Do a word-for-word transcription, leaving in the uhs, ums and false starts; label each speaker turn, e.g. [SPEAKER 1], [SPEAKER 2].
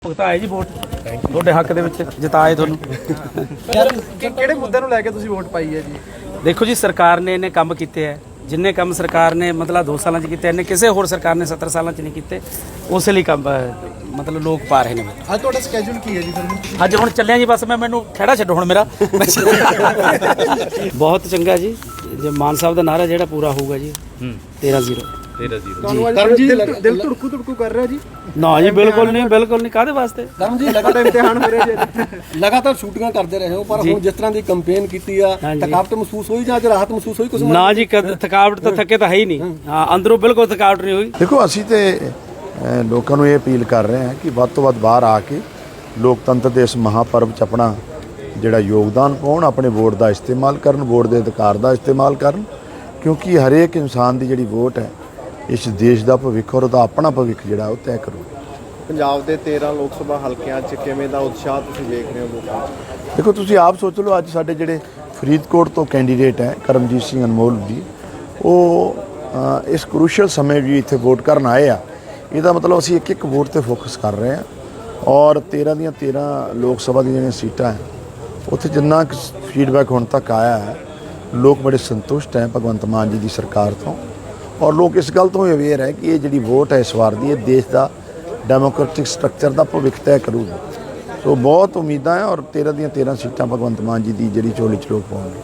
[SPEAKER 1] ਭੁਗਤਾਏ ਜੀ ਵੋਟ ਤੁਹਾਡੇ ਹੱਕ ਦੇ ਵਿੱਚ ਜਿਤਾਏ ਤੁਹਾਨੂੰ।
[SPEAKER 2] ਕਿਹੜੇ ਮੁੱਦਿਆਂ ਨੂੰ ਲੈ ਕੇ ਤੁਸੀਂ ਵੋਟ ਪਾਈ ਹੈ ਜੀ?
[SPEAKER 1] ਦੇਖੋ ਜੀ, ਸਰਕਾਰ ਨੇ ਇਹਨੇ ਕੰਮ ਕੀਤੇ ਹੈ, ਜਿੰਨੇ ਕੰਮ ਸਰਕਾਰ ਨੇ ਮਤਲਬ ਦੋ ਸਾਲਾਂ 'ਚ ਕੀਤੇ ਇਹਨੇ ਕਿਸੇ ਹੋਰ ਸਰਕਾਰ ਨੇ ਸੱਤਰ ਸਾਲਾਂ 'ਚ ਨਹੀਂ ਕੀਤੇ। ਉਸ ਲਈ ਕੰਮ ਮਤਲਬ ਲੋਕ ਪਾ ਰਹੇ ਨੇ।
[SPEAKER 2] ਅੱਜ ਤੁਹਾਡਾ ਸਕੇਜੂਲ ਕੀ ਹੈ ਜੀ ਫਿਰ?
[SPEAKER 1] ਅੱਜ ਹੁਣ ਚੱਲਿਆ ਜੀ, ਬਸ ਮੈਂ ਮੈਨੂੰ ਖਹਿੜਾ ਛੱਡੋ ਹੁਣ ਮੇਰਾ। ਬਹੁਤ ਚੰਗਾ ਜੀ, ਜੇ ਮਾਨ ਸਾਹਿਬ ਦਾ ਨਾਰਾ ਜਿਹੜਾ ਪੂਰਾ ਹੋਊਗਾ ਜੀ ਤੇਰਾਂ ਜ਼ੀਰੋ।
[SPEAKER 2] ਤੁਹਾਨੂੰ ਜੀ ਦਿਲ ਧੜਕੂ ਧੜਕੂ ਕਰ ਰਿਹਾ ਜੀ?
[SPEAKER 1] ਨਾ ਜੀ, ਬਿਲਕੁਲ ਨਹੀਂ, ਬਿਲਕੁਲ ਨਹੀਂ। ਕਾਹਦੇ ਵਾਸਤੇ?
[SPEAKER 3] ਕਰਮ ਜੀ ਲਗਾਤਾਰ ਇਮਤਿਹਾਨ ਹੋ ਰਿਹਾ ਜੀ, ਲਗਾਤਾਰ ਸ਼ੂਟਿੰਗਾਂ ਕਰਦੇ ਰਹੇ ਹੋ, ਪਰ ਹੁਣ ਜਿਸ ਤਰ੍ਹਾਂ ਦੀ ਕੰਪੇਨ ਕੀਤੀ ਆ, ਥਕਾਵਟ ਮਹਿਸੂਸ ਹੋਈ ਜਾਂ ਅੱਜ ਰਾਹਤ ਮਹਿਸੂਸ ਹੋਈ ਕੁਝ?
[SPEAKER 1] ਨਾ ਜੀ, ਥਕਾਵਟ ਤਾਂ ਥੱਕੇ ਤਾਂ ਹੈ ਹੀ ਨਹੀਂ। ਹਾਂ, ਅੰਦਰੋਂ ਬਿਲਕੁਲ ਥਕਾਵਟ ਨਹੀਂ ਹੋਈ।
[SPEAKER 4] ਦੇਖੋ, ਅਸੀਂ ਤੇ ਲੋਕਾਂ ਨੂੰ ਇਹ ਅਪੀਲ ਕਰ ਰਹੇ ਹਾਂ ਕਿ ਵੱਧ ਤੋਂ ਵੱਧ ਬਾਹਰ ਆ ਕੇ ਲੋਕਤੰਤਰ ਦੇ ਇਸ ਮਹਾਪਰਵ 'ਚ ਆਪਣਾ ਜਿਹੜਾ ਯੋਗਦਾਨ ਪਾਉਣ, ਆਪਣੇ ਵੋਟ ਦਾ ਇਸਤੇਮਾਲ ਕਰਨ, ਵੋਟ ਦੇ ਅਧਿਕਾਰ ਦਾ ਇਸਤੇਮਾਲ ਕਰਨ, ਕਿਉਂਕਿ ਹਰੇਕ ਇਨਸਾਨ ਦੀ ਜਿਹੜੀ ਵੋਟ ਹੈ ਇਸ ਦੇਸ਼ ਦਾ ਭਵਿੱਖ ਔਰ ਉਹਦਾ ਆਪਣਾ ਭਵਿੱਖ ਜਿਹੜਾ ਉਹ ਤੈਅ ਕਰੂ।
[SPEAKER 2] ਪੰਜਾਬ ਦੇ ਤੇਰਾਂ ਲੋਕ ਸਭਾ ਹਲਕਿਆਂ 'ਚ ਕਿਵੇਂ ਦਾ ਉਤਸ਼ਾਹ ਤੁਸੀਂ ਵੇਖ ਰਹੇ ਹੋ ਲੋਕਾਂ 'ਚ?
[SPEAKER 4] ਦੇਖੋ, ਤੁਸੀਂ ਆਪ ਸੋਚ ਲਓ, ਅੱਜ ਸਾਡੇ ਜਿਹੜੇ ਫਰੀਦਕੋਟ ਤੋਂ ਕੈਂਡੀਡੇਟ ਹੈ ਕਰਮਜੀਤ ਸਿੰਘ ਅਨਮੋਲ ਜੀ, ਉਹ ਇਸ ਕਰੂਸ਼ਲ ਸਮੇਂ ਵੀ ਇੱਥੇ ਵੋਟ ਕਰਨ ਆਏ ਆ। ਇਹਦਾ ਮਤਲਬ ਅਸੀਂ ਇੱਕ ਇੱਕ ਵੋਟ 'ਤੇ ਫੋਕਸ ਕਰ ਰਹੇ ਹਾਂ ਔਰ ਤੇਰਾਂ ਦੀਆਂ ਤੇਰਾਂ ਲੋਕ ਸਭਾ ਦੀਆਂ ਜਿਹੜੀਆਂ ਸੀਟਾਂ ਹੈ ਉੱਥੇ ਜਿੰਨਾ ਕੁ ਫੀਡਬੈਕ ਹੁਣ ਤੱਕ ਆਇਆ ਹੈ, ਲੋਕ ਬੜੇ ਸੰਤੁਸ਼ਟ ਹੈ ਭਗਵੰਤ ਮਾਨ ਜੀ ਦੀ ਸਰਕਾਰ ਤੋਂ। ਔਰ ਲੋਕ ਇਸ ਗੱਲ ਤੋਂ ਅਵੇਅਰ ਹੈ ਕਿ ਇਹ ਜਿਹੜੀ ਵੋਟ ਹੈ ਇਸ ਵਾਰ ਦੀ, ਇਹ ਦੇਸ਼ ਦਾ ਡੈਮੋਕ੍ਰੈਟਿਕ ਸਟਰਕਚਰ ਦਾ ਭਵਿੱਖ ਤੈਅ ਕਰੂਗੀ। ਸੋ ਬਹੁਤ ਉਮੀਦਾਂ ਹੈ ਔਰ ਤੇਰਾਂ ਦੀਆਂ ਤੇਰਾਂ ਸੀਟਾਂ ਭਗਵੰਤ ਮਾਨ ਜੀ ਦੀ ਜਿਹੜੀ ਝੋਲੀ 'ਚ ਲੋਕ ਪਾਉਣਗੇ।